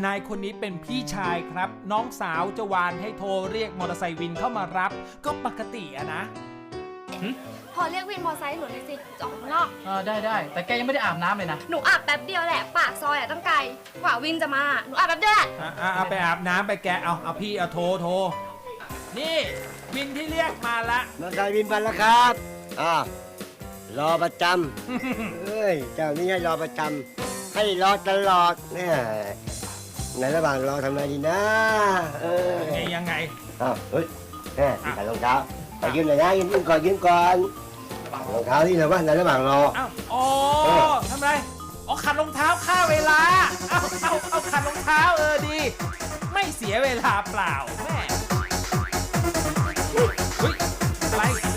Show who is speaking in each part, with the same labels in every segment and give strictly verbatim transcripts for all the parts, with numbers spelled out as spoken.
Speaker 1: นายคนนี้เป็นพี่ชายครับน้องสาวจะวานให้โทรเรียกมอเตอร์ไซค์วินเข้ามารับก็ปกติอะนะ
Speaker 2: พอเรียกวินมอไซค์หนูเลยสิจะออกข้างนอก
Speaker 3: เออได้ได้แต่แกยังไม่ได้อาบน้ำเลยนะ
Speaker 2: หนูอาบแป๊บเดียวแหละปากซอยอะตั้งไกลกว่าวินจะมาหนูอาบแป๊บเดียวแหละ
Speaker 1: อ่ะอ่ะเอาไปอาบน้ำไปแกเอาเอาพี่เอาโทรโทรนี่วินที่เรียกมาละ
Speaker 4: มอเตอร์ไซค์วินมาแล้วครับอ่ารอประจำ เฮ้ย เจ้านี้ให้รอประจำ ให้รอตลอดเนี่ยในระหว่างรอทำไงดีนะ เออ
Speaker 1: ไงยังไง
Speaker 4: อ้าวเฮ้ยแม่ใส่รองเท้าขอยืมหน่อยนะยืมยืมก่อนยืมก่อนรองเท้าที่เราว่าในระหว่างรอ
Speaker 1: อ้าวอ๋อทำไรอ๋อขัดรองเท้าฆ่าเวลาเอาเอาเอาขัดรองเท้าเออดี ไม่เสียเวลาเปล่าแม่เฮ้ยอะไร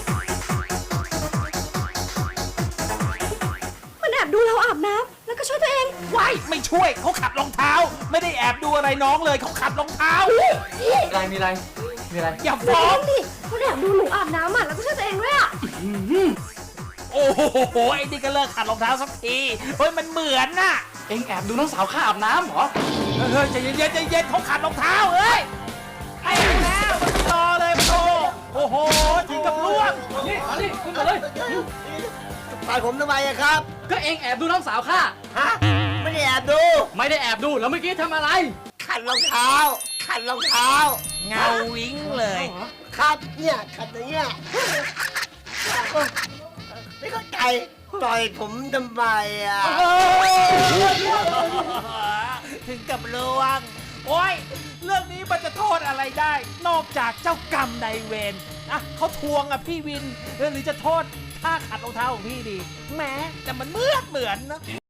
Speaker 2: มันแอบดูเราอาบน้ำแล้วก็ช่วยตัวเอง
Speaker 1: ว้ายไม่ช่วยเขาขัดรองเท้า ไม่ได้แอบดูอะไรน้องเลยเขาขัดรองเท้า
Speaker 3: มีอะไรมีอะไรมีอะไร
Speaker 1: อย่า
Speaker 2: ฟ้
Speaker 1: ฟ้
Speaker 2: อ
Speaker 1: อง
Speaker 2: งดิมันแอบดูหนูอาบน้ำอ่ะแล้วก็ช่วยตัวเองด้วยอ่ะ
Speaker 1: โอ้โหไอ้นี่ก็เลิกขัดรองเท้าสักทีเฮ้ยมันเหมือนน่ะ
Speaker 3: เอ็งแอบดูน้องสาวข้าอาบน้ำเหรอ
Speaker 1: เฮ้ยใจเย็นๆใจเย็นเขาขัดรองเท้าเอ้ยไอ้แล้วรอเลยโตโอ้โหถึงกับล่วง
Speaker 3: นี่มาดิขึ้นมาเลย
Speaker 4: ปาดผมทำไมอะครับ
Speaker 3: ก็เอ็งแอบดูน้องสาวข้า
Speaker 4: ฮะ ไม่ได้แอบดู
Speaker 3: ไม่ได้แอบดูแล้วเมื่อกี้ทำอะไร
Speaker 4: ขัดรองเท้า ขัดรองเท้า
Speaker 1: เงาวิ้งเลย
Speaker 4: ขัดเนี่ยขัดอย่างเงี้ยไม่เข้าใจต่อยผมทำไมอ่ะ
Speaker 1: ถึงกับล่วง โอ้ย เรื่องนี้มันจะโทษอะไรได้ นอกจากเจ้ากรรมนายเวรอ่ะเขาทวงอ่ะพี่วินหรือจะโทษท่าขัดรองเท้าของพี่ดีแหม้แต่มันเหมือนเหมือนนะ